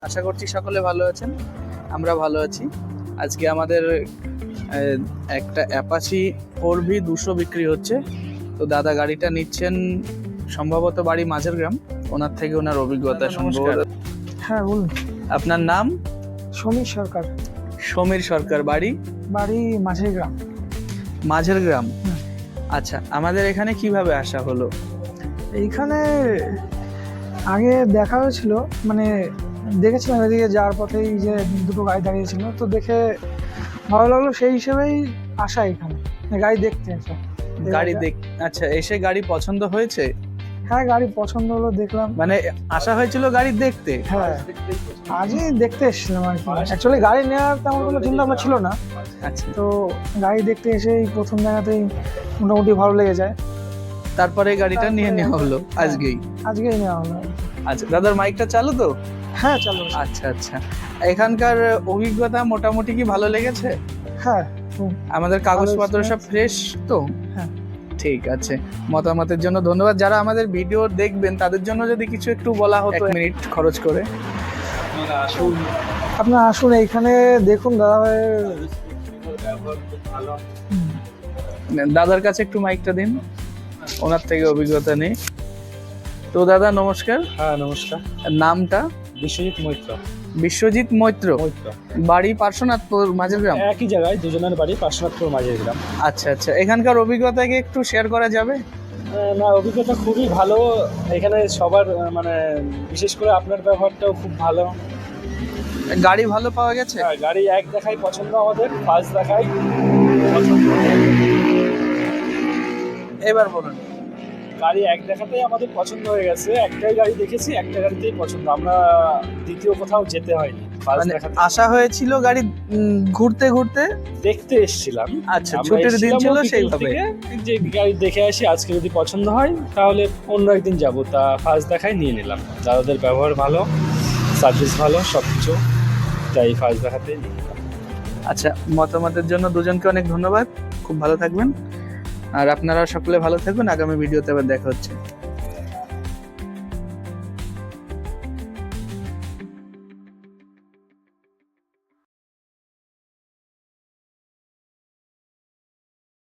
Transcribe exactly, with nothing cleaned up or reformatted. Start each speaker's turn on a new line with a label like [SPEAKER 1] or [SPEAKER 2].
[SPEAKER 1] আশা করছি সকলে ভালো আছেন, আমরা ভালো আছি। আজকে আমাদের একটা অ্যাপাচি ফোর ভি দুশো বিক্রি হচ্ছে। তো দাদা গাড়িটা নিচ্ছেন সম্ভবত বাড়ি মাঝের গ্রাম, ওনার থেকে ওনার অভিজ্ঞতা শুনবো।
[SPEAKER 2] হ্যাঁ বলুন।
[SPEAKER 1] আপনার নাম?
[SPEAKER 2] সমীর সরকার।
[SPEAKER 1] সমীর সরকার, বাড়ি?
[SPEAKER 2] বাড়ি মাঝের গ্রাম।
[SPEAKER 1] মাঝের গ্রাম, আচ্ছা। আমাদের এখানে কিভাবে আসা হলো?
[SPEAKER 2] এইখানে আগে দেখা হয়েছিল, মানে দেখেছিলাম এদিকে যাওয়ার পথেই যে দুটো গাড়ি দাঁড়িয়েছিল, তো দেখে ভালো লাগলো, সেই হিসেবেই আসা এখানে গাড়ি দেখতে আসা।
[SPEAKER 1] গাড়ি দেখ আচ্ছা, এসে গাড়ি পছন্দ হয়েছে?
[SPEAKER 2] হ্যাঁ, গাড়ি পছন্দ হলো, দেখলাম।
[SPEAKER 1] মানে আসা হয়েছিল গাড়ি দেখতে?
[SPEAKER 2] হ্যাঁ, আজই দেখতে এসেছিলাম আর কি। অ্যাকচুয়ালি গাড়ি নেওয়ার তেমন কোনো চিন্তা ভাবনা ছিল না।
[SPEAKER 1] আচ্ছা,
[SPEAKER 2] তো গাড়ি দেখতে এসেই প্রথম জায়গাতেই মোটামুটি ভালো লেগে যায়,
[SPEAKER 1] তারপরে গাড়িটা নিয়ে নেওয়া হলো আজকেই?
[SPEAKER 2] আজকেই নেওয়া হলো।
[SPEAKER 1] আচ্ছা দাদার মাইকটা চালু তো?
[SPEAKER 2] হ্যাঁ চালু।
[SPEAKER 1] আচ্ছা আচ্ছা, এখানকার অভিজ্ঞতা মোটামুটি কি ভালো লেগেছে?
[SPEAKER 2] হ্যাঁ,
[SPEAKER 1] আমাদের কাগজপত্র সব ফ্রেশ তো?
[SPEAKER 2] হ্যাঁ,
[SPEAKER 1] ঠিক আছে। মতামতের জন্য ধন্যবাদ। যারা আমাদের ভিডিও দেখবেন তাদের জন্য যদি কিছু একটু বলা হতো, এক মিনিট খরচ করে।
[SPEAKER 2] আসুন, আপনারা আসুন এইখানে দেখুন দাদা ভাইয়ের।
[SPEAKER 1] দাদার কাছে একটু মাইকটা দিন, ওনার থেকে অভিজ্ঞতা নেই। তো দাদা নমস্কার।
[SPEAKER 3] হ্যাঁ নমস্কার।
[SPEAKER 1] নামটা?
[SPEAKER 3] বিশ্বজিৎ মৈত্র।
[SPEAKER 1] বিশ্বজিৎ মৈত্র,
[SPEAKER 3] মৈত্র
[SPEAKER 1] বাড়ি পার্শ্বনাথপুর মাঝের গ্রাম?
[SPEAKER 3] একই জায়গায়, দুজনের বাড়ি পার্শ্বনাথপুর মাঝের গ্রাম।
[SPEAKER 1] আচ্ছা আচ্ছা, এখানকার অভিজ্ঞতা কি একটু শেয়ার করা যাবে?
[SPEAKER 3] আহ, না, অভিজ্ঞতা খুবই ভালো এখানে সবার, আহ, মানে বিশেষ করে আপনার ব্যবহারটাও খুব ভালো।
[SPEAKER 1] গাড়ি ভালো পাওয়া গেছে?
[SPEAKER 3] হ্যাঁ, গাড়ি এক দেখাই পছন্দ, আমাদের ফার্স্ট দেখাই পছন্দ।
[SPEAKER 1] এবার বলুন।
[SPEAKER 3] গাড়ি এক দেখাতেই আমাদের পছন্দ হয়ে গেছে, একটাই গাড়ি দেখেছি, একটা গাড়িতেই পছন্দ, আমরা দ্বিতীয় কোথাও যেতে হয়নি। ফার্স্ট
[SPEAKER 1] মানে
[SPEAKER 3] দেখাতে
[SPEAKER 1] আশা হয়েছিল গাড়ি উম, ঘুরতে ঘুরতে
[SPEAKER 3] দেখতে এসেছিলাম।
[SPEAKER 1] আচ্ছা,
[SPEAKER 3] আমরা
[SPEAKER 1] ছুটির দিন
[SPEAKER 3] এসেছিলাম
[SPEAKER 1] ছিল
[SPEAKER 3] বিকেল
[SPEAKER 1] সেইভাবে।
[SPEAKER 3] থেকে, যে গাড়ি দেখে আসি, আজকে যদি পছন্দ হয় তাহলে অন্য একদিন যাব, তা ফার্স্ট দেখাই নিয়ে নিলাম। দাদাদের ব্যবহার ভালো, সার্ভিস ভালো, সব কিছু, তাই ফার্স্ট দেখাতে নিয়ে নিলাম।
[SPEAKER 1] আচ্ছা, মতামতের জন্য দুজনকে অনেক ধন্যবাদ, খুব ভালো থাকবেন। আর আপনারা সকলে ভালো থাকবেন, আগামী ভিডিওতে আবার দেখা হচ্ছে।